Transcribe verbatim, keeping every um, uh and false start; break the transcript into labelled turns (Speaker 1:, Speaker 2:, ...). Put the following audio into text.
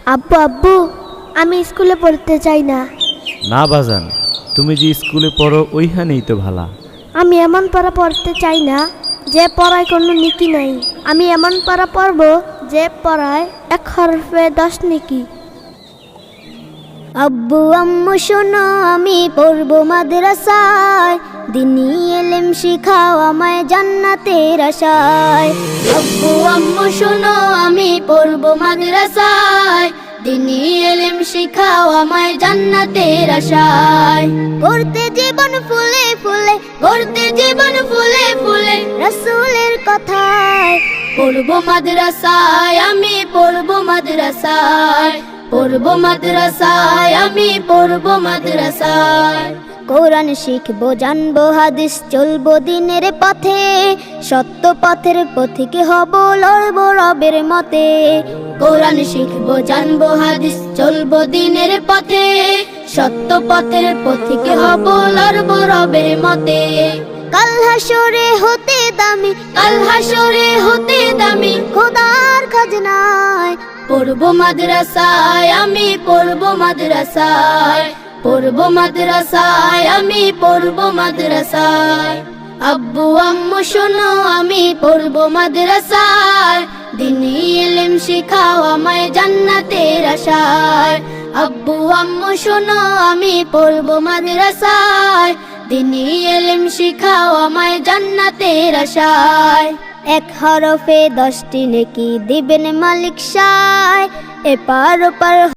Speaker 1: আব্বু আব্বু আমি স্কুলে পড়তে চাই না।
Speaker 2: না বাজান, তুমি যে স্কুলে পড়ো ওইখানেই তো ভালা।
Speaker 1: আমি এমন পড়া পড়তে চাই না যে পড়ায় কোনো নীতি নাই। আমি এমন পড়া পড়ব যে পড়ায় এক হরফে দশ নেকি।
Speaker 3: আব্বু আম্মু শোনো আমি পড়বো মাদ্রাসায়, দিনী এলেম শিখাও আমায় জান্নাতের আশায়। আব্বু আম্মু শোনো আমি পড়বো মাদ্রাসায়, দিনী এলেম শিখাও আমায় জান্নাতের আশায়। করতে জীবন ফুলে ফুলে, করতে জীবন ফুলে ফুলে রাসূলের কথায়। পড়বো মাদ্রাসায় আমি পড়বো মাদ্রাসায়, পড়বো মাদ্রাসায় আমি পড়বো মাদ্রাসায়। কোরআন শিখবো জানবো হাদিস চলবো দিনের পথে, সত্য পথের পথিকে হব লড়বো রবের মতে। কোরআন শিখবো জানবো হাদিস চলবো দিনের পথে, সত্য পথের পথিকে হব লড়বো রবের মতে। কাল হাসরে হতে দামি, কাল হাসরে হতে দামি খোদার খাজনায়। পড়বো মাদ্রাসায় আমি পড়বো মাদ্রাসায়, পড়বো মাদ্রাসায় আমি পড়বো মাদ্রাসায়। আব্বু আম্মু শোনো আমি পড়বো মাদ্রাসায়, দিনী ইলম শিখাও আমায় জান্নাতের আশায়। আব্বু আম্মু শোনো আমি পড়বো মাদ্রাসায়, দিনী ইলম শিখাও আমায় জান্নাতের আশায়। এক হরফে দশটি নেকি দিবেন মালিক সায়, এপার ওপার